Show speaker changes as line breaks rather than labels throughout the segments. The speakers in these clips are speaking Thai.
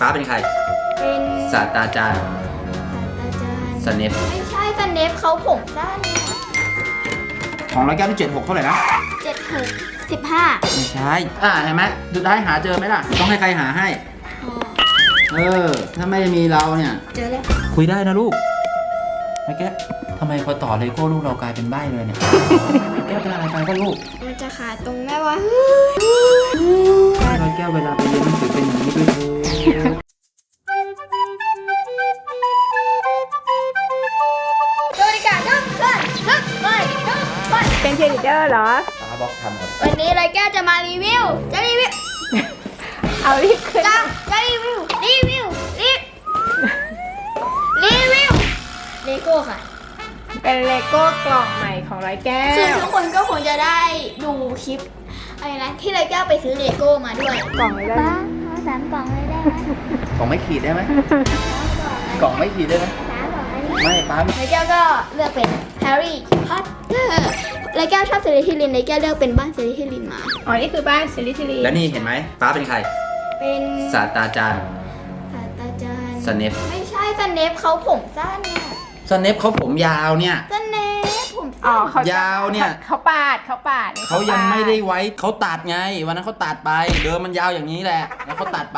ฟ้าเป็นใคร
เป็น
ศาสตราจารย์สเนป
ไม่ใช่สเนปเขาผมสั้น
ของร้อยแก้วที่76เท่าไหร่นะ
15
ไม่ใช่เห็นไหมสุดท้ายหาเจอไหมล่ะต้องให้ใครหาให้ถ้าไม่มีเราเนี่ย
เจอแล้ว
คุยได้นะลูกไอ้แก้วทำไมพอต่อเลโก้ลูกเรากลายเป็นใบ้เลยเนี่ยแก้วเป็นอะไรไปก็ลูก
มันจะขาดตรงแม่ว่า
ร้อยแก้วเวลาไปเรียนหนังสือเป็นอย่างนี้ด้วย
เป็นเชียร์ลีดเดอร์เหรอ
ตาบอกทำก่อน
วันนี้ไรแก้วจะมารีวิว
เอารีบขึ้น
จะรีวิวเลโก้ค่ะ
เป็นเลโก้กล่องใหม่ของร้อยแก้ว
ซึ่งทุกคนก็คงจะได้ดูคลิปอะไรนะที่ไรแก้วไปซื้อเลโก้มาด้วย
กล่องเลยได้
3 กล่องเลยได้ไหม
กล่องไม่ขีดได้ไหมกล่องไม่ขีดได้ไหมไม่ป้า
ไรแก้วก็เลือกเป็นแฮร์รี่พอตเตอร์ไรแก้วชอบเซเลทิลินไรแก้วเลือกเป็นบ้านเซเลทิลินมา
นี่คือบ้านเซเลทิลิน
แล้วนี่เห็นไหมฟ้าเป็นใคร
เป็น
ศาสตราจารย์สเนป
ไม่ใช่สเนปเขาผมสั้นเนี่ย
สเนปเขาผมยาวเนี่ย
สเนปผม
ยาวเนี่ย
เขาปาด
เขายังไม่ได้ไว้เขาตัดไงวันนั้นเขาตัดไปเดิมมันยาวอย่างนี้แหละแล้วเขาตัดไป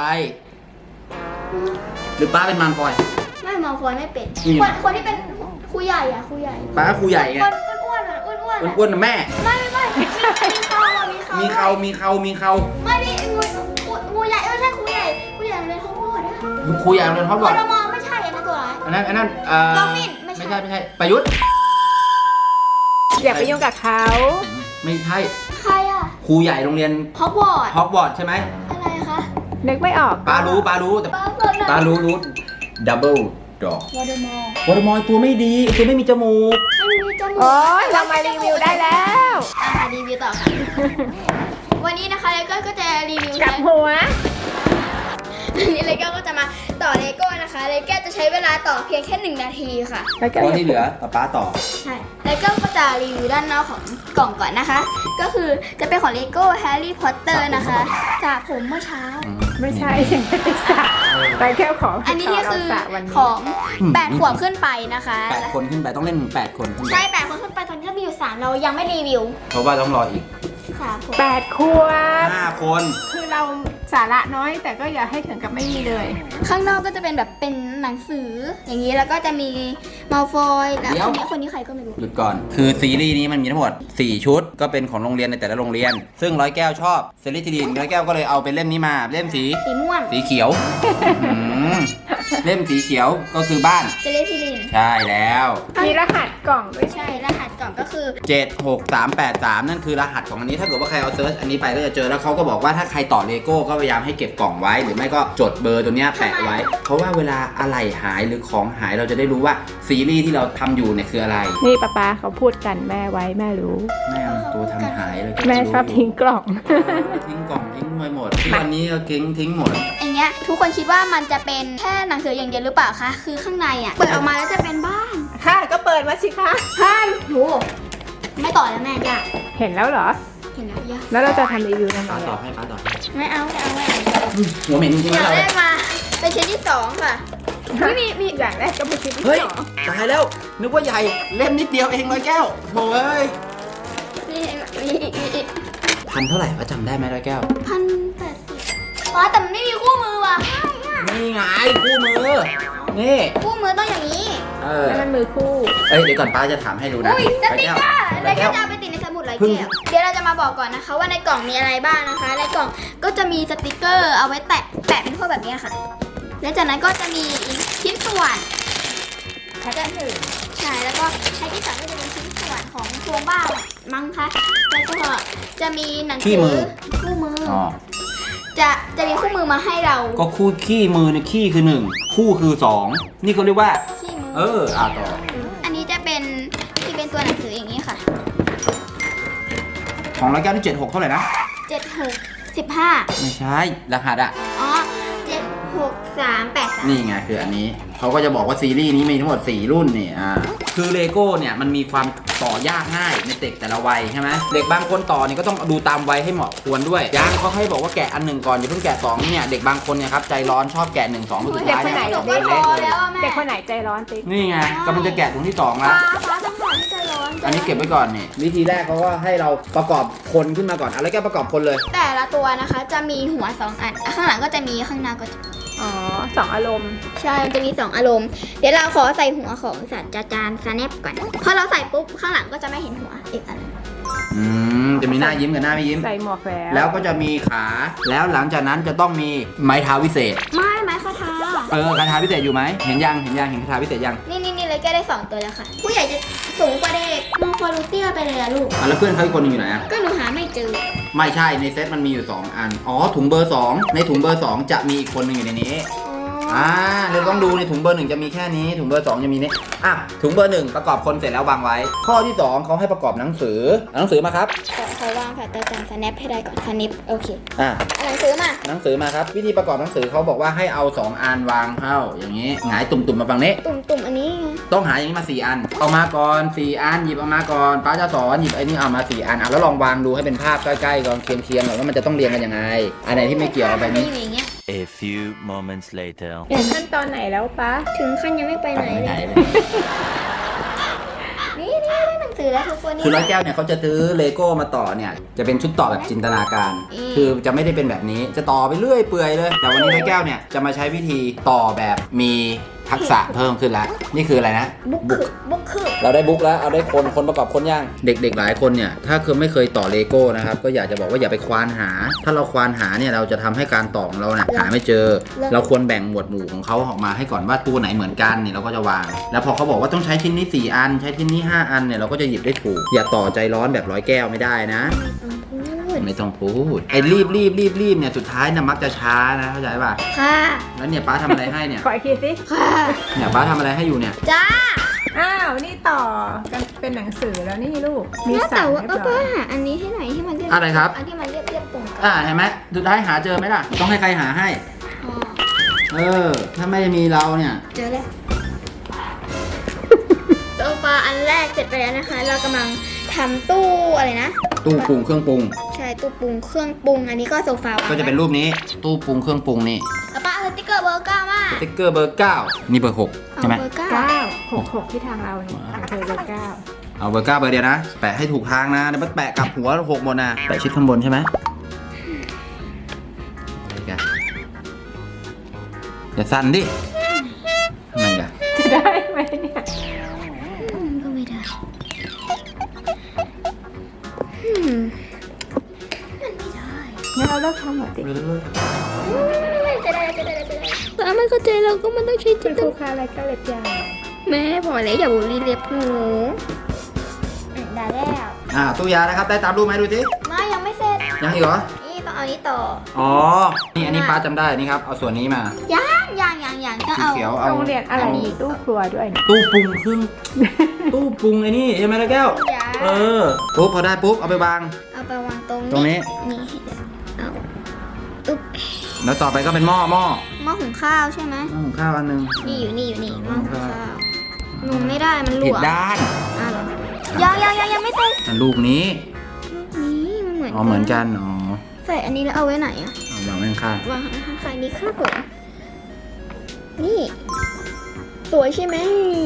หรือป้าเป็นมันฟอย
ไม่มาฟอยไม่เป็นคนที่เป็นครูใหญ่ครูใหญ่
ป้าครูใหญ่ไง
อ้วน
นะแม่
ไม่
มีเขา
ไม่ดิครูใหญ่ไม่ใช่ครูใหญ่เรียนฮอกวอตส์
ครูใหญ่เรียนฮอกวอตส์
ไม่ใช่อันนั้นตัวอะไร
อันนั้น
ดอฟฟิน
ไม่ใช่ประยุทธ์
อย่าไปยุ่งกับเขา
ไม่ใช่
ใคร
ครูใหญ่โรงเรียน
ฮอกว
อตส์ใช่ไหม
อะไรคะ
นึกไม่ออก
ป้ารู้แต่ป้ารู้ดับเบิลดอกวอร์ดมอยตัวไม่ดีตัวไม่มีจมูก
โอ้ยเรามารีวิวได้แล้ว
รีวิวต่อค่ะวันนี้นะคะเลโก้ก็จะรีวิว
กับหัว
นี่เลโก้ก็จะมาต่อเลโก้นะคะเลโก้จะใช้เวลาต่อเพียงแค่1 นาทีค่ะ
เพราะที่เหลือป้าต่อ
ใช่เลโก้ก็จะรีวิวด้านนอกของกล่องก่อนนะคะก็คือจะเป็นของเลโก้แฮร์รี่พอตเตอร์นะคะจากผมเมื่อเช้า
ไม่ใช่ยังไม่ได้สระไปแค่ของ
อันนี้คือของ8 ขวบขึ้นไปนะคะ
8 คนขึ้นไปต้องเล่น8 คน
ใช่8 คนขึ้นไปตอนนี้ก็มีอยู่3เรายังไม่รีวิว
เพราะว่าต้องรออีก
8 ขวบ
5 คน
คือเราสาระน้อยแต่ก็อย่าให้ถึงกับไม่มีเลย
ข้างนอกก็จะเป็นแบบเป็นหนังสืออย่างนี้แล้วก็จะมีมัลฟอยแล้วคนนี้ใครก็ไม่รู้
หยุดก่อนคือซีรีส์นี้มันมีทั้งหมด4 ชุดก็เป็นของโรงเรียนในแต่ละโรงเรียนซึ่งร้อยแก้วชอบเซเลทิลินร้อยแก้วก็เลยเอาเป็นเล่มนี้มาเล่มสี
ม่วง
สีเขียวเล่มสีเขียวก็คือบ้าน
เซเลทิลิน
ใช่แล้ว
มีรหัสกล่องด้วย
ใช่รหัสกล่องก็คือ
76383นั่นคือรหัสของอันนี้ถ้าเกิดว่าใครเอาเซิร์ชอันนี้ไปก็จะเจอแล้วเขาก็บอกว่าถ้าใครต่อเลโก้ก็พยายามให้เก็บกล่องไว้หรือไม่ก็จดเบอร์ตัวเนี้ยแปะไว้เพราะว่าเวลาอะไรหายหรือของหายเราจะได้รู้ว่าซีรีส์ที่เราทำอยู่เนี่ยคืออะไร
นี่ป๊าเขาพูดกันแม่ไว้แม่รู้
แม่ตัวทำหายเลย
แม่ชอบทิ้งกล่อง
ทิ้งกล่องทิ้งไปหมดที่วันนี้ก็ทิ้งหมด
อย่างเงี้ยทุกคนคิดว่ามันจะเป็นแค่หนังสืออย่างเดียวหรือเปล่าคะคือข้างในเปิดออกมาแล้วจะเป็นบ้าน
ค่ะก็เปิดมาสิคะ
โหไม่ต่อแล้วแม่จ้ะ
เห็นแล้วเหรอ
เห็นแล้วย่า
แล้วเราจะทำรีวิวยังไง
ป้าต่อให้
ไม่เอา
หัวเหม็นจริงๆ
เราได้มาเป็นชิ้นที่2ค่ะ
มีอย่างแรกก็เป็นชิ้นที่
2ตายแล้วนึกว่าใหญ่เล่มนิดเดียวเองร้อยแก้วโถ่พันเท่าไหร่ป้าจำได้ไหมร้อยแก้ว
1,080แต่มันไม่มีคู่มือว่ะ
นี่ไงคู่มือนี่
คู่มือต้องอย่างนี้
แล้วมันมือคู่
เดี๋ยวก่อนป้าจะถามให้ดูนะ
สติ๊กเกอร์อะไรก็จะเอาไปติดในสมุดร้อยแก้วเดี๋ยวเราจะมาบอกก่อนนะคะว่าในกล่องมีอะไรบ้างนะคะในกล่องก็จะมีสติ๊กเกอร์เอาไว้แปะเป็นพวกแบบนี้ค่ะแล้วจากนั้นก็จะมีชิ้นส่วนใช้กันถือใช่แล้วก็ใช้ที่สามก็จะเป็นชิ้นส่วนของโครงบ้านมั้งคะแล้วก็จะมีหนังสือคู่มือจะมีคู่มือมาให้เรา
ก็คู่ขี้มือเนี่ยขี้คือ1คู่คือ2นี่เขาเรียกว่า
ขี้มื
อต่อ
อันนี้จะเป็นที่เป็นตัวหนังสืออย่างนี้ค่ะ
ของร้อยแก้วที่76เท่าไหร่นะ
15ไม่
ใช่รหัส
อ๋อ7 6 6383
นี่ไงคืออันนี้เขาก็จะบอกว่าซีรีส์นี้มีทั้งหมด4รุ่นนี่คือเลโก้เนี่ยมันมีความต่อยากง่ายในเด็กแต่ละวัยใช่ไหมเด็กบางคนต่อเนี่ยก็ต้องดูตามวัยให้เหมาะควรด้วยยังเขาให้บอกว่าแกะอัน 1ก่อนอย่าเพิ่งแกะ2เนี่ยเด็กบางคนเนี่ยครับใจร้อนชอบแกะ1 2สุดท้ายเนี่ย
หนูก็ท้อแล้วอะแม่
เด็กคนไหนใจร้อนติ๊ก
นี่ไงกำลังจะแกะถุงที่2แล้ว
ฟ้าต้องผ่านที่จะร้อน
อันนี้เก็บไว้ก่อนนี่วิธีแรกเขาก็ให้เราประกอบคนขึ้นมาก่อนอะไรก็ประกอบคนเลย
แต่ละตัวนะคะจะมีหัว2อันข้างหลังก็จะมีข้างหน้าก็จะ
อ๋อสองอารมณ์
ใช่ มันจะมี2อารมณ์เดี๋ยวเราขอใส่หัวของสัตว์จานสแนปก่อนพอเราใส่ปุ๊บข้างหลังก็จะไม่เห็นหัวอีกอัน
จะมีหน้ายิ้มกับหน้าไม่ยิ้ม
ใส่หมวกแล้ว
แล้วก็จะมีขาแล้วหลังจากนั้นจะต้องมีไม้เท้าวิเศษ
ไม่คาถา
คาถาพิเศษอยู่ไหมเห็นยังเห็คาถาพิเศษยัง
นี่เลยแกได้2ตัวแล้วค่ะ ผู้ใหญ่จะสูงกว่าเด็กมองฟอรูเตียไปเลยอะลูก
แล้วเพื่อนเขาอีกคนหนึงอยู่ไหนอะ
ก็หนูหาไม่เจอ
ไม่ใช่ในเซตมันมีอยู่2อันอ๋อถุงเบอร์2ในถุงเบอร์2จะมีอีกคนหนึงอยู่ในนี้เราต้องดูในถุงเบอร์1จะมีแค่นี้ถุงเบอร์2จะมีนี้ถุงเบอร์1ประกอบคนเสร็จแล้ววางไว้ ข้อที่2เขาให้ประกอบหนังสือเอาหนังสือมาครับ
เขาวางค่ะแต่จานสแนปให้ได้ก่อนสแนปโอเค
อ่ะ
เอาหนังสือมา
หนังสือมาครับวิธีประกอบหนังสือเขาบอกว่าให้เอา2อันวางเข้าอย่างนี้หงายตุ่มๆมาฝั่งนี้
ตุ่มอันนี้ไง
ต้องหาอย่างนี้มา4อันเอามาก่อน4อันหยิบเอามาก่อนป้าจะสอนหยิบไอ้นี่เอามา4อันแล้วลองวางดูให้เป็นภาพใกล้ๆก่อนเคียงๆก่อนว่ามันจะต้องเรียงกันยังไงอันไหนที่ไม่เกี่ยวเอาไปนี้
อยู่อย่างเงี้ย
A few moments later.
ถึงขั้นตอนไหนแล้วปะ
ถึงขั้นยังไม่ไปไหนเลยนี่ได้หนังสือแล้วทุกคนนี่
คือร้อยแก้วเนี่ยเขาจะซื้อเลโก้มาต่อเนี่ยจะเป็นชุดต่อแบบจินตนาการ คือจะไม่ได้เป็นแบบนี้จะต่อไปเรื่อยเปื่อยเลยแต่วันนี้ร้อยแก้วเนี่ยจะมาใช้วิธีต่อแบบมีทักษะเพิ่มขึ้นแล้วนี่คืออะไรนะ
บุ๊กคือ
เราได้บุ๊กแล้วเอาได้คนประกอบคนย่างเด็กๆหลายคนเนี่ยถ้าคือไม่เคยต่อเลโก้นะครับก็อยากจะบอกว่าอย่าไปควานหา ถ้าเราควานหาเนี่ยเราจะทำให้การต่อของเราเนี่ยหาไม่เจอ เราควรแบ่งหมวดหมู่ของเขาออกมาให้ก่อนว่าตัวไหนเหมือนกันเนี่ยเราก็จะวางแล้วพอเขาบอกว่าต้องใช้ชิ้นนี้4อันใช้ชิ้นนี้5อันเนี่ยเราก็จะหยิบได้ถูกอย่าต่อใจร้อนแบบร้อยแก้วไม่ได้นะไม่ต้องพูดไอ้รีบเนี่ยสุดท้ายนะมักจะช้านะเข้าใจป่ะ
ค่ะ
แล้วเนี่ยป้าทำอะไรให้เนี่ย
ขออีกทีสิ
ค่ะ
เนี่ยป้าทำอะไรให้อยู่เนี่ย
จ้า
อ้าวนี่ต่อกันเป็นหนังสือแล้วนี่ลูกมี
แล้ว
สั่
แต่
ง
ว่า
เรียบ
ก็
ร้อย
หาอันนี้ที่ไหนที่มันเรียบ
อะไรครับ
อันที่มันเรียบตรงกัน
เห็นไหมสุดท้ายหาเจอไหมล่ะต้องให้ใครหาให้
อ๋อ
ถ้าไม่มีเราเนี่ย
เจอแล้วโซฟาอันแรกเสร็จไปแล้วนะคะ เรากำลังทำตู้อะไรนะ
ตู้ปรุงเครื่องปรุง
ใช่ตู้ปรุงเครื่องปรุงอันนี้ก็โซฟาวาง
ก็จะเป็นรูปนี้ตู้ปรุงเครื่องปรุงนี่
แล้วป้าเอาสติ๊กเกอร์เบอร์9มา
สติ๊กเกอร์เบอร์9นี่เบอร์6ใช่ไหม
เอาเบอร์
9 6 ที่ทางเราเนี่ยเธอเลย9
เอาเบอร์9เบอร์เดียวนะแปะให้ถูกทางนะเดี๋ยวมันแปะกลับหัว6หมดนะแปะชิดข้างบนใช่ไหมอะไรกันอย่าสั่นดิทำไมกัน
จะได้ไหมเนี่ย
ก็ไม่ได้มันไม่ได้
งั้นเราเลิกทำหมดดิ
จะได้ป้าไม่เข้าใจเราก็มันต้องใช้จิ
คุ
น
ณ
ต
ครู
นา
คะอะไรก็เล็บยาว
แม่พอแล้วอย่าบูลลี่เล็บหนูได้แล้ว
ตู้ยานะครับได้ตามรูปไหมดูสิ
ไม่ยังไม่เสร็จ
ยังอีกเหรอ
นี่ต้องเอานี้ต่อ
อ๋อนี่อันนี้ป้าจำได้นี่ครับเอาส่วนนี้มา
ยังต้อง
สี
เอา
เขียวเอา
โรงเรียนอะไรมีตู้ครัวด้วยเนี่ย
ตู้ปรุงเครื่อง ตู้ปรุงไอ้นี่ใช่ไหมล่ะแก้ว
ยา
ปุ๊บพอได้ปุ๊บเอาไปวาง
เอาไปวางตรง
ตรงนี้
นี่เอาอุ๊บ
แล้วต่อไปก็เป็นหม้อ
หม้อหุงข้าวใช่ไหม
หุงข้าวอันหนึง
นี่อยู่นี่หม้อหุงข้าวหนูไม่ได้มันหล
ผิด
วม
ด้าน
อ้าวเหรอยังไม่เต็ม
อันลูกนี้
นี่มันเหมือน
เหมือนกันอ๋อ
ใส่อันนี้แล้วเอาไว้ไหนอะ
เอาวางไว้ข้าง
วางข้างๆนี้ครับผมนี่ สวยใช่ไหม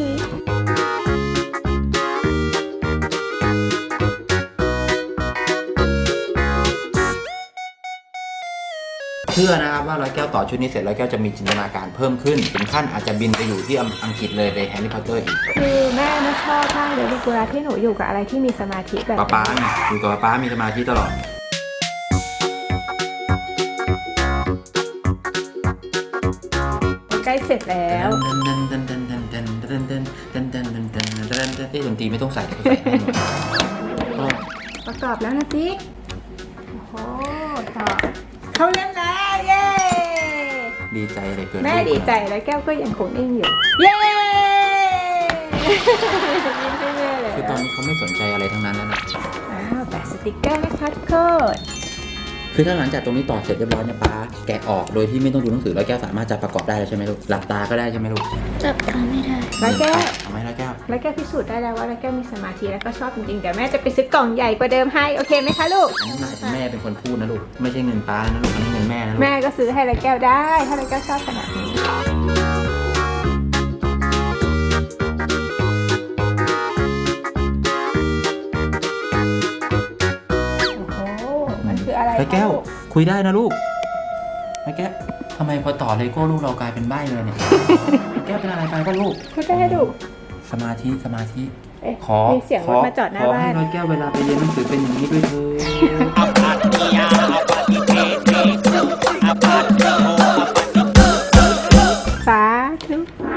เชื่อนะครับว่าร้อยแก้วต่อชุดนี้เสร็จร้อยแก้วจะมีจินตนาการเพิ่มขึ้นถึงขั้นอาจจะบินไปอยู่ที่อังกฤษเลยไปแฮร์รี่พอตเตอร์อีก
คือแม่น่าชอบมากเลยลูกเวลาที่หนูอยู่กับอะไรที่มีสมาธิแบบ
ป๊าเนี่ยอยู่กับป๊ามีสมาธิตลอด
ใกล้เสร็จแล้ว
ที่ดนตรีไม่ต้องใส่ใส่ให้หมด
ประกอบแล้วนะติ๊กโอ้โหต่อเข้าเล่นแล้วเย้
ดีใจเลยเกิน
แม่ดีใจแล้วแก้วก็ยังคงนิ่งอยู่เย้ยิ้มให้แม่เลย
คือตอนนี้เขาไม่สนใจอะไรทั้งนั้นแล้วนะ
อ้าวแปะสติกเกอร์นะคะทุกคน
คือถ้าหลังจากตรงนี้ต่อเสร็จเรียบร้อยเนี่ยป้าแกะออกโดยที่ไม่ต้องดูหนังสือร้อยแก้วสามารถจะประกอบได้แล้วใช่ไหมลูกหลับตาก็ได้ใช่ไหมลูก
จับทำไม่ได้
ร้อยแก้ว
ทำไหมร้อยแก้ว
ร้อยแก้วพิสูจน์ได้แล้วว่าร้อยแก้วมีสมาธิแล้วก็ชอบจริงๆเดี๋ยวแม่จะไปซื้อกล่องใหญ่กว่าเดิมให้โอเคไหมคะลูก
อันนี้หมายถึงแม่เป็นคนพูดนะลูกไม่ใช่เงินป้านะลูกอันนี้เงินแม่นะลูก
แม่ก็ซื้อให้ร้อยแก้วได้ถ้าร้อยแก้วชอบขนาดนี้โอ้โหมันคืออะไร
ร้อยแก้ว
คะลู
คุยได้นะลูกร้อยแก้วทำไมพอต่อเลโก้ลูกเรากลายเป็นใบ้เลยเนี่ยร้อยแก้วเป็นอะไรไปก็ลูก
พูดได้ลูก
สมาธิสมาธิ
เอ๊ะ
ขอ
มีเสียงรถมาจอดหน้า
ขอ
บ้า
ให้
น
ร้อยแก้วเวลาไปเรียนหนังสือเป็นอย่างนี้ด้วยเถอะ
สาธุ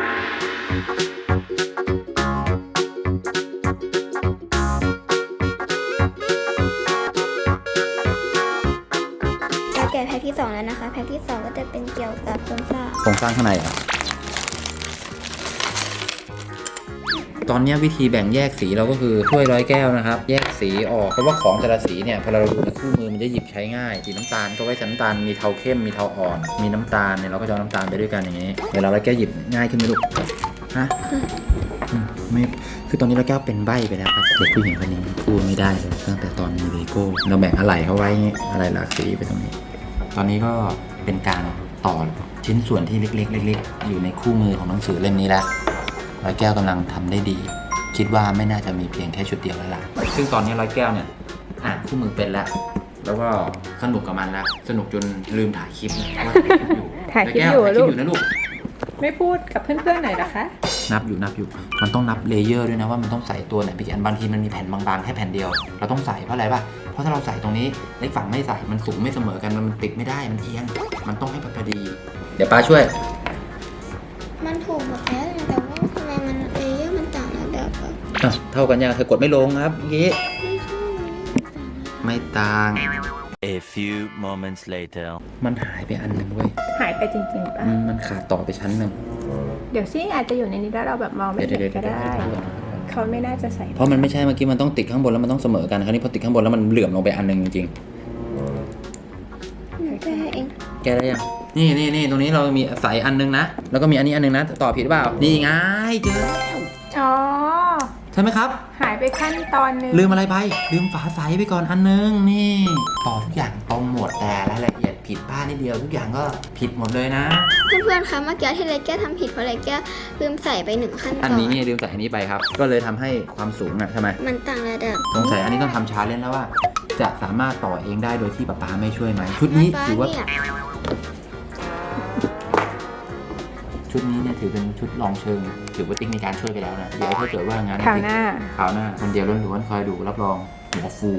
เราแกะแพ็คที่2แล้วนะคะ แพ็คที่2ก็จะเป็นเกี่ยวกับโครงสร้าง
โครงสร้างข้างในอ่ะตอนเนี้ยวิธีแบ่งแยกสีเราก็คือถ้วยร้อยแก้วนะครับ แยกสีออกเพราะว่าของแต่ละสีเนี่ยพอเราดูในคู่มือมันจะหยิบใช้ง่ายสีน้ำตาลก็ไว้ใส่น้ำตาลมีเทาเข้มมีเทาอ่อน มีน้ำตาลเนี่ยเราก็จะเอาน้ำตาลไปด้วยกันอย่างนี้เวลาร้อยแก้วหยิบง่ายขึ้นไหมลูกฮะไม่คือตอนนี้ร้อยแก้วเป็นใบ้ไปแล้วครับเด็กผู้หญิงคนนี้พูดไม่ได้เลยตั้งแต่ตอนมีเลโก้เราแบ่งอะไหล่เขาไว้อย่างงี้อะไรหลากสีไปตรงนี้ ตอนนี้ก็เป็นการต่อชิ้นส่วนที่เล็กๆอยู่ในคู่มือของหนังสือเล่มนี้แล้วร้อยแก้วกำลังทำได้ดี คิดว่าไม่น่าจะมีเพียงแค่ชุดเดียวแล้วล่ะซึ่งตอนนี้ร้อยแก้วเนี่ยอ่านคู่มือเป็นแล้ว แล้วก็สนุกกับมันแล้วสนุกจนลืมถ่ายคลิปนะว่าถ่ายคลิปอยู่
ถ่ายคลิปอยู่
ร้แก้วถ่ายคลิป
ลูก
อยู่นะลูก
ไม่พูดกับเพื่อนๆหน่อยเหรอคะ
นับอยู่มันต้องนับเลเยอร์ด้วยนะว่ามันต้องใส่ตัวไหนไปกี่อันบางทีมันมีแผ่นบางๆแค่แผ่นเดียวเราต้องใส่เพราะอะไรป่ะเพราะถ้าเราใส่ตรงนี้เล็กฝั่งไม่ใส่มันสูงไม่เสมอกันมันติดไม่ได้มันเอียงมันต้องให้พอดี เดี๋ยวป้าช่วย
มันถูกหมดแล้วแต่ว่าทำไมมันเลเยอร์มันต่างระดับอะ
เท่ากันยังเธอกดไม่ลงครับเมื่อกี้
ไม่ใช่มันต่าง
ไม่ต่าง
A few moments later.
มันหายไปอันหนึ่งเว้ย
หายไปจริงๆป่ะ
มันขาดต่อไปชั้นหนึ่ง
เดี๋ยวซิอาจจะอยู่ในนี้แล้วเราแบบมองไม่
เดี๋ยว
เห็นก็ได้ เขาไม่น่าจะใส่
เพราะมันไม่ใช่เมื่อกี้มันต้องติดข้างบนแล้วมันต้องเสมอกันคราวนี้พอติดข้างบนแล้วมันเหลื่อมลงไปอันหนึ่งจริง
หนูแก้เอง
ๆแกได้ยังนี่ตรงนี้เรามีใส่อันหนึงนะแล้วก็มีอันนี้อันหนึงนะต่อผิดหรือเปล่านี่ไงเจอแล้ว
อ๋อ
ใช่ไหมครับ
หายไปขั้นตอนหนึง
ลืมอะไรไปลืมฝาใสไปก่อนอันหนึงนี่ต่อทุกอย่างตรงหมดแต่รายละเอียดผิดพลาดนิดเดียวทุกอย่างก็ผิดหมดเลยนะ
เพื่อนๆคะเมื่อกี้ที่เลแก้วทำผิดเพราะเลแก้วลืมใส่ไป1ขั้นต
อั
อน น
นี้นี่ลืมใส่อันนี้ไปครับ ก็เลยทำให้ความสูงอ่ะใช่ไหม
มันต่างระดับ
สงสัยอันนี้ต้องทำชาเลนจ์แล้วว่า จะสามารถต่อเองได้โดยที่ป๊าป๊าไม่ช่วยไหมชุดนี้
ป๊า
ถือว่า
เนี่ย
ชุดนี้เนี่ยถือเป็นชุดลองเชิงถือว่าติ๊กมีการช่วยไปแล้วนะเดี๋ยวถ้าเกิดว่างั้น
คราวหน้า
คราวหน้าคนเดียวล้วนๆคอยดูรับรองหัวฟู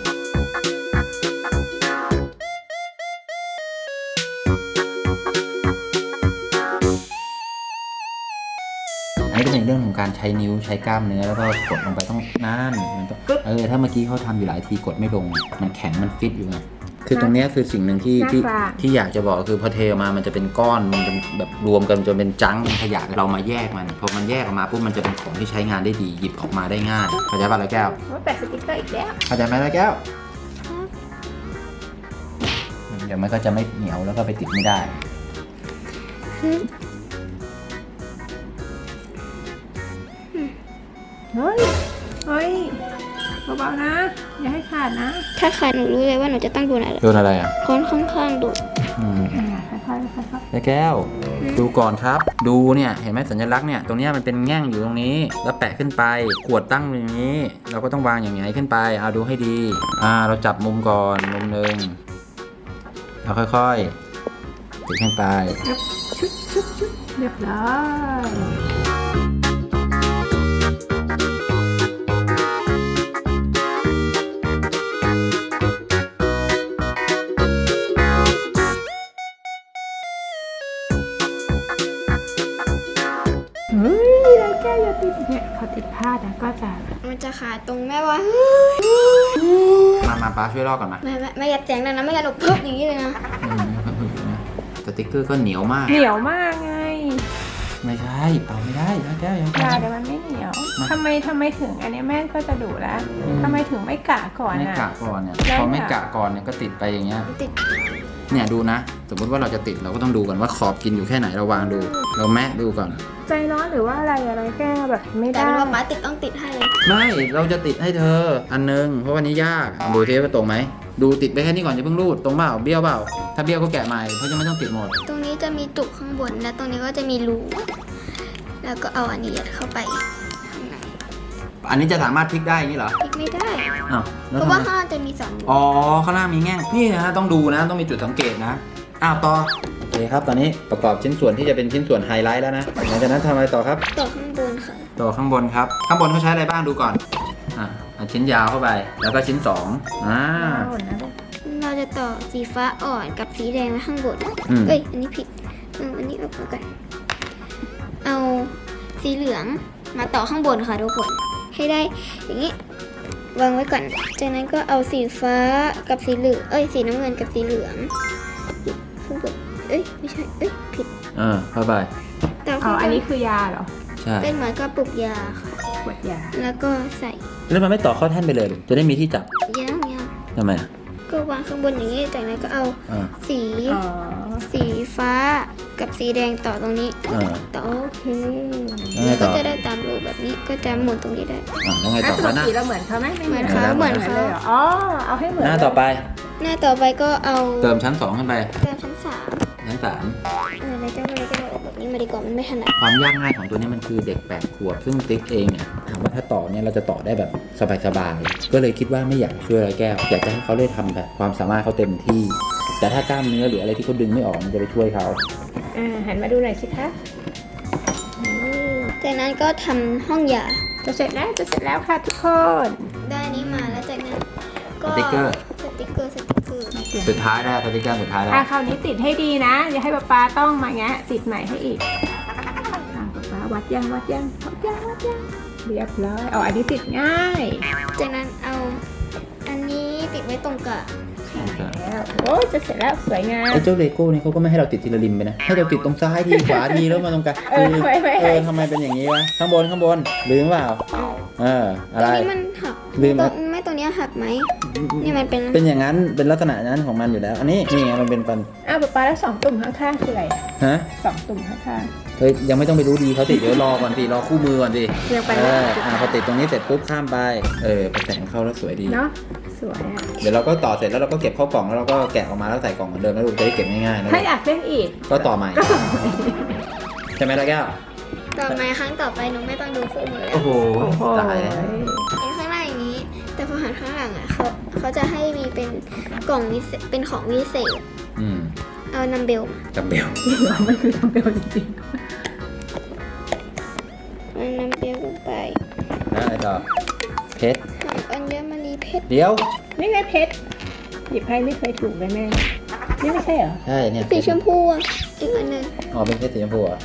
อันนี้ก็เป็นเรื่องของการใช้นิ้วใช้กล้ามเนื้อแล้วก็กดลงไปต้องนั่นมันต้องถ้าเมื่อกี้เขาทำอยู่หลายทีกดไม่ลงมันแข็งมันฟิตอยู่ไงคือตรงเนี้ยคือสิ่งหนึ่งที่อยากจะบอกคือพอเทออกมามันจะเป็นก้อนมันจะแบบรวมกันจนเป็นจังเป็นขยะเรามาแยกมันพอมันแยกออกมาปุ๊บมันจะเป็นของที่ใช้งานได้ดีหยิบออกมาได้ง่ายเข้าใจป่ะร้อยแก้ว
ว่าแปะสติ๊กเกอร์อีกแล้ว
เข้าใจไหมร้อยแก้วเดี๋ยวมันก็จะไม่เหนียวแล้วก็ไปติดไม่ได้
เฮ้ยเบาๆนะ อย่าให้ขาดนะ
ถ้าขาดหนูรู้เลยว่าหนูจะต้องโดนอะไร
โดนอะไรอ่ะ
ค้อนข้างๆดู
ค่อยๆค่อย
ร้อยแก้ว ดูก่อนครับ ดูเนี่ยเห็นไหมสัญลักษณ์เนี่ยตรงเนี้ยมันเป็นแง่งอยู่ตรงนี้แล้วแปะขึ้นไปขวดตั้งอย่างนี้ เราก็ต้องวางอย่างไงขึ้นไปเอาดูให้ดีเราจับมุมก่อนมุมหนึ่งเราค่อยๆติดขึ้นไป
ๆเรียบร้อยเฮ้ยแล้วแก้วอย่าติดเนี่ยเขาติดผ้าแล้วก็จะ
มันจะขาดตรงแม่ว่า
มาป้าช่วยลอกก่อนมา
ไม่อย่าแจงนะไม่งั้นหนูพึบอย่างนี้เลยนะ
สติ๊กเกอร์ก็เหนียวมาก
เหนียวมากไง
ไม่ใช่เป่าไม่ได้แล้วแก้วยัง
ยาเดี๋ยวมันไม่เหนียวทำไมถึงอันนี้แม่ก็จะดุแล้วทำไมถึงไม่กะก่อน
ไม่
อ่ะ
กะก่อนเนี่ย
แล้ว
พอไม่กะก่อนเนี่ยก็ติดไปอย่างเงี้ย
ติด
เนี่ยดูนะ สมมติว่าเราจะติดเราก็ต้องดูก่อนว่าขอบกินอยู่แค่ไหนเราวางดู เราแมะดูก่อน
ใจร้อนหรือว่าอะไรแก้แบบไม่
แต่
ได้
เป็นว่าป๊าติดต้องติดให้เลย
ไม่เราจะติดให้เธออันนึงเพราะวันนี้ยากดูเทปว่าตรงไหมดูติดไปแค่นี้ก่อนอย่าเพิ่งรูดตรงเปล่าเบี้ยวเปล่าถ้าเบี้ยวก็แกะใหม่เพราะจะไม่ต้องติดหมด
ตรงนี้จะมีจุกข้างบนและตรงนี้ก็จะมีรูแล้วก็เอาอันนี้ยัดเข้าไปข้างใน
อันนี้จะสามารถพลิกได้อย่างนี้เหรอ
พลิกไม่ได้
อ้าว
เพ
แล้ว
ราะ
ทำ
ว่า
ไม
ข้างล่างจะมี2รู
อ๋อข้างล่างมีแง่งนี่นะต้องดูนะต้องมีจุดสังเกตนะอ้าวต่อโอเคครับตอนนี้ประกอบชิ้นส่วนที่จะเป็นชิ้นส่วนไฮไลท์แล้วนะหลังจากนั้นทำอะไรต่อครับ
ต่อข้างบนค่ะ
ต่อข้างบนครับข้างบนเขาใช้อะไรบ้างดูก่อนเอาชิ้นยาวเข้าไปแล้วก็ชิ้น2
เราจะต่อสีฟ้าอ่อนกับสีแดงไว้ข้างบน
อืม
เอ้ยอันนี้ผิดอันนี้ออกมาก่อนเอาสีเหลืองมาต่อข้างบนค่ะทุกคนให้ได้อย่างนี้วางไว้ก่อนจากนั้นก็เอาสีฟ้ากับสีเหลืองสีน้ำเงินกับสีเหลืองข้างบนไม่ใช่ผิด
เข้าไป
ต่อ
อ๋
ข้า
อง
บ
อัน
น
นี้คือยาเหรอ
ใช่
เป็นเหมือนกระปุกยาค่ะ
ขวดยา
แล้วก็ใส่
แล้วมันไม่ต่อเข้าแท่นไปเลยหรอจะได้มีที่จับ
ย่าง
ทำไมอ่ะ
ก็วางข้างบนอย่างนี้จากนั้นก็เอา
อ่า
สี
อ๋อ
สีฟ้ากับสีแดงต่อตรงนี้ ต่อ
โอเค
แล้วไง
ก็
ต่อ
จะได้ตามรูปแบบนี้ก็จะหมุนตรงนี้ได้
แล้วไงต่อ
ป
แล้
ก
วหน้า
ติเราเหมือนเขาไหมไม่
เหมือนเขา
เหมือน
เลยเหรออ๋อเอาให้เหมือน
หน้าต่อไป
หน้าต่อไปก็เอา
เติมชั้น2ขึ้นไป
เติมชั้น
ชั้น
3แล้วเจ้าเลยก็เอาออกแบบนี้มาดีกว่ามันไม่ถนัด
3ความยากง่ายของตัวนี้มันคือเด็ก8 ขวบซึ่งติ๊กเองเนี่ยถามว่าถ้าต่อเนี่ยเราจะต่อได้แบบสบายๆก็เลยคิดว่าไม่อยากช่วยร้อยแก้วอยากจะให้เขาได้ทำแบบความสามารถเขาเต็มที่ แต่ถ้ากล้ามเนื้อหรืออะไรที่เขาดึงไม่ออกมันจะไปช่วยเขา
หันมาดูหน่อยสิคะ
จากนั้นก็ทำห้องยา
จะเสร็จแล้วค่ะทุกคน
ได้อันนี้มาแล้วจากนั้นก็
สติ๊กเกอร์
สติ๊กเกอร์
สุดท้ายแล้วสติ๊กเกอร์สุดท้ายแล้ว
คราวนี้ติดให้ดีนะอย่าให้ป๊าต้องมาแงะติดใหม่ให้อีกป๊าวัดยังเรียบร้อยอันนี้ติดง่าย
จากนั้นเอาอันนี้ติดไว้ตรงกลาง
แล้วโอ้ยจะเสร็จแล้วสวยงาม
ไอ้เจ้าเลโก้นี่เขาก็ไม่ให้เราติดทีละริมไปนะให้เราติดตรงซ้ายทีขวาทีแล้วมาตรงกลาง ทำไมเป็นอย่างนี้วะข้างบนลืมเปล่าอะ
ตร
ไรง
นี้มันหัก
ลืมไหม
ตรงนี้หักไหมนี่มันเป็น
เป็นอย่างนั้นเป็นลักษณะนั้นของมันอยู่แล้วอันนี้นี่ไงมันเป็นปัน
ป๊าแล้ว2 ตุ่มข้างๆคืออะไร
ฮะ
2 ตุ่มข้าง
เฮ้ยยังไม่ต้องไปรู้ดีเขาติดเดี๋ยวรอก่อนสิรอคู่มือก่อนสิ
ๆยังไป
พอติดตรงนี้เสร็จปุ๊บข้ามไปไปแต่งเข้าแล้วสวยดี
เนาะสวยอ่ะ
เดี๋ยวเราก็ต่อเสร็จแล้วเราก็เก็บเข้ากล่องแล้วเราก็แกะออกมาแล้วใส่กล่องเหมือนเดิมแล้วลูกจะได้เก็บง่ายๆนะ
ถ้าอยากเล่นอีก
ก็ต่อใหม่ใช่ไหมล่ะแก้ว
ต่อมาครั้งต่อไปหนูไม่ต้องดูคู่มือแล้ว
โอ้โหตายแล้ว
เป็นข้างหน้าอย่างนี้ แต่พอหันข้างหลังอ่ะเขาจะให้มีเป็นกล่องวิเศษเป็นของวิเศษ เอานัมเบลมา
จับเบล
มันคือทำเบลจริง
เอานัมเบลลงไป
แล้วอะไรต่อเพชร
ทำอัญมณีเพชร
เดี๋ยว
ๆนี่ไงเพชรหยิบให้ไม่เคยถูกเลยแม่นี่ไม่ใช่เหรอ
ใช่เนี่ย
สีชมพูอ่ะอีกอันหนึง
อ๋อเป็นเพชรสีชมพูอ่ะ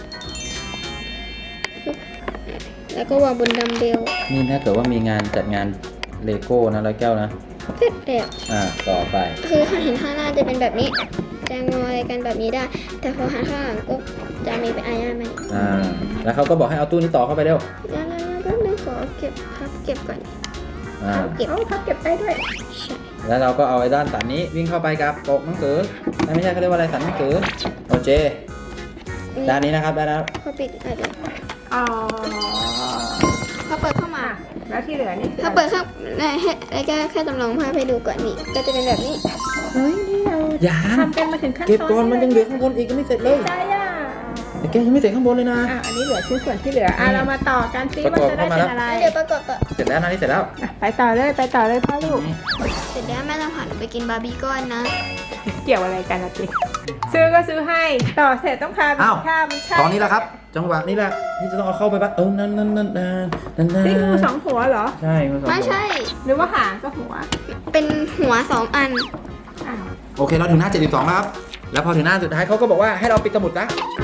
แล้วก็วางบนดัมเบล
นี่ถ้าเกิดว่ามีงานจัดงานเลโก้นะร้อยแก้วนะ
เสร็จแล้ว
ต่อไป
คือเห็นข้างหน้าจะเป็นแบบนี้ จะงออะไรกันแบบนี้ได้ แต่พอหันข้างหลังก็จะมีเป็นอายาไหม
แล้วเขาก็บอกให้เอาตู้นี้ต่อเข้าไปเร็ว
แล้วก็นึกขอเก็บก่อน เก็บ
โอ้พับเก็บได้ด้วย
ใช่
แล้วเราก็เอาไอ้ด้านสันนี้วิ่งเข้าไปกับปกหนังสือไม่ใช่เขาเรียกว่าอะไรสันหนังสือโอเคด้านนี้นะครับได้แล้ว
พอปิดอะไร
อ๋อ
พอเปิดเข้ามา
แล้วที่เหลือนี่คือ
ถ้าเปิดข้างให้แค่จำลองภาพให้ดูก่อนนี่ก็จะเป็นแบบนี้
เฮ้ยนี่เรา
อย่า
ทำกันมาถึงขั้นตอน
เก็บก่อนมันยังเหลือข้างบนอีกยังไม่เสร็จเลย
ได้อ่ะ
ไอ้แกยังไม่เสร็จข้างบนเลยนะ
อันนี้เหลือชิ้นส่วนที่เหลือเรามาต่อกันซิ
ประ
ว่าก
อบ
จะได้
เข้ามา
เป็นอะไร
แล้วเดี๋ยวประกอบต่อ
เสร็จแล้วนะนี่เสร็จแล้ว
ไปต่อเลยพ่อลูก
เสร็จแล้วแม่ต้องผ่านไปกินบาร์บีก้อนนะ
เกี่ยวอะไรกันนะจิ๊กซื้อก็ซื้อให้ต่อเสร็จต้องพาไปกินข้าวมันใช่
ตอนนี้แหละครับ จังหวะนี้แหละที่จะต้องเอาเข้าไปบ้านนั่น
นี่งู2 หัวเหรอ
ใช่งูสอง
ไม่ใช่
หรือว่าหางก็หัว
เป็นหัว2 อัน
อ้าว
โอเคเราถึงหน้า72แล้วครับแล้วพอถึงหน้าสุดท้ายเขาก็บอกว่าให้เราปิดสมุดนะ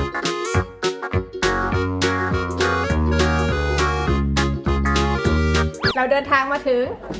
เราเดินทางมาถึง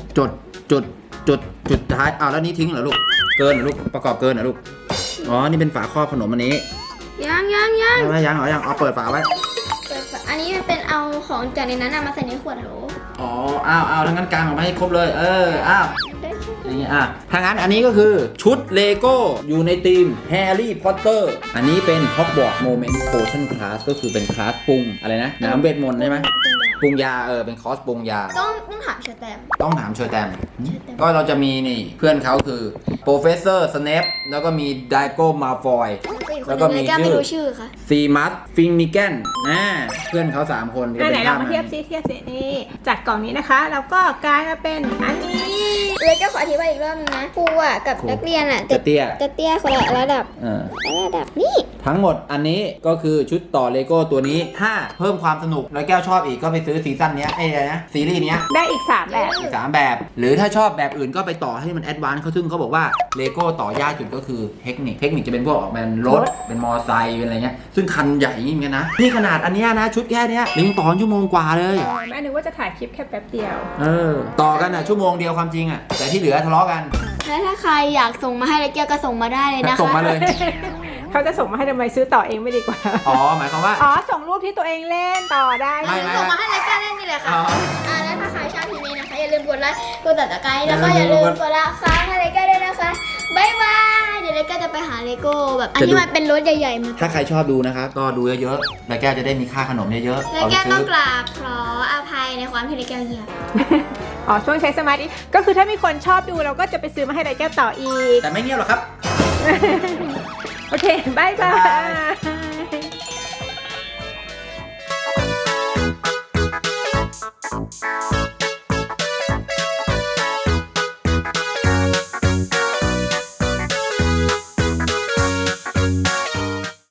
จุดท้ายแล้วนี่ทิ้งเหรอลูกเกินเหรอลูกประกอบเกินเหรอลูกอ๋อนี่เป็นฝาครอบขนมอันนี้
ยัง
ยังเหรอยังเอาเปิดฝาไว้
เปิดฝาอันนี้มันเป็นเอาของจากในนั้นมาใส่ในขวดโหล
อ๋ออ้าวทั้งนั้นกางออกมาให้ครบเลยอ้าวอย่างนี้ถ้างั้นอันนี้ก็คือชุดเลโก้อยู่ในทีมแฮร์รี่พอตเตอร์อันนี้เป็น Hogwarts Moment Potion Class ก็คือเป็นคลาสปรุงอะไรนะน้ำเวทมนต์ใช่ไหมปรุงยาเป็นคอร์สปรุงยา
ต้องถามเชอร์แตม
ต้องถามเชอร์แตมก็เราจะมีนี่เพื่อนเขาคือ Professor Snape แล้วก็มี Draco Malfoy แล้วก็มี
แก้วไม่รู้ชื่อค่ะ
ซีมัสฟิงมิแกนเพื่อนเขา3 คน
ไหนเรามาเทียบซินี่จากกล่องนี้นะคะแล้วก็กลายมาเป็นอันนี้
เลยก็ขออธิบายอีกรอบนึงนะครูอ่ะกับนักเรียนอ่ะ
จะเตี้ย
คนละระดับนี่
ทั้งหมดอันนี้ก็คือชุดต่อเลโก้ตัวนี้ถ้าเพิ่มความสนุกแล้วแก้วชอบอีกก็ไปซื้อซีซั่นเนี้ยอะไรนะซีรีส์เนี้ย
ได้อีก3แบบ
อีก3 แบบ หรือถ้าชอบแบบอื่นก็ไปต่อให้มันแอดวานซ์เขาซึ่งเขาบอกว่าเลโก้ต่อยากจุดก็คือเทคนิคจะเป็นพวกออกเป็นรถเป็นมอไซค์เป็นอะไรเงี้ยซึ่งคันใหญ่เหมือนกันนะนี่ขนาดอันเนี้ยนะชุดแค่เนี้ยยังต่อชั่วโมงกว่าเลย
แม่นึกว่าจะถ่ายคลิปแค่แป๊บเดียว
ต่อกันชั่วโมงเดียวความจริงแต่ที่เหลือทะเลาะกัน
แล้วถ้าใครอยากส่งมาให้เลยแก้วก็ส่งมาได้เลยนะคะ
ส่งมาเลย
เขาจะส่งมาให้ทำไมซื้อต่อเองไม่ดีกว่า
อ๋อหมายความว่า
ส่งรูปที่ตัวเองเล่นต่อได้
ไม่
ส่งมาให้เลยแก้วเล่นนี่แหละค่ะ
อ๋อ
แล้วถ้าใครชอบคลิปนี้นะคะอย่าลืมกดไลค์กดติดตามแล้วก็อย่าลืมกดละค้างให้เลยแก้วด้วยนะคะบ๊ายบายเดี๋ยวเลยแก้วจะไปหาเลโก้แบบอันที่มันเป็นรถใหญ่ๆมา
ถ้าใครชอบดูนะครับก็ดูเยอะๆแล้วแก้วจะได้มีค่าขนมเยอะๆ
เลย
เอาไป
แก้ว
ซื้
ต้อง
อ
กราบขออภัยในความที่เลยแก้วเหยียบ
ช่วงใช้สมาธิก็คือถ้ามีคนชอบดูเราก็จะไปซื้อมาให้ไรแก้วต่ออีก
แต่ไม่เงียบหรอกครับ
โอเคบายบาย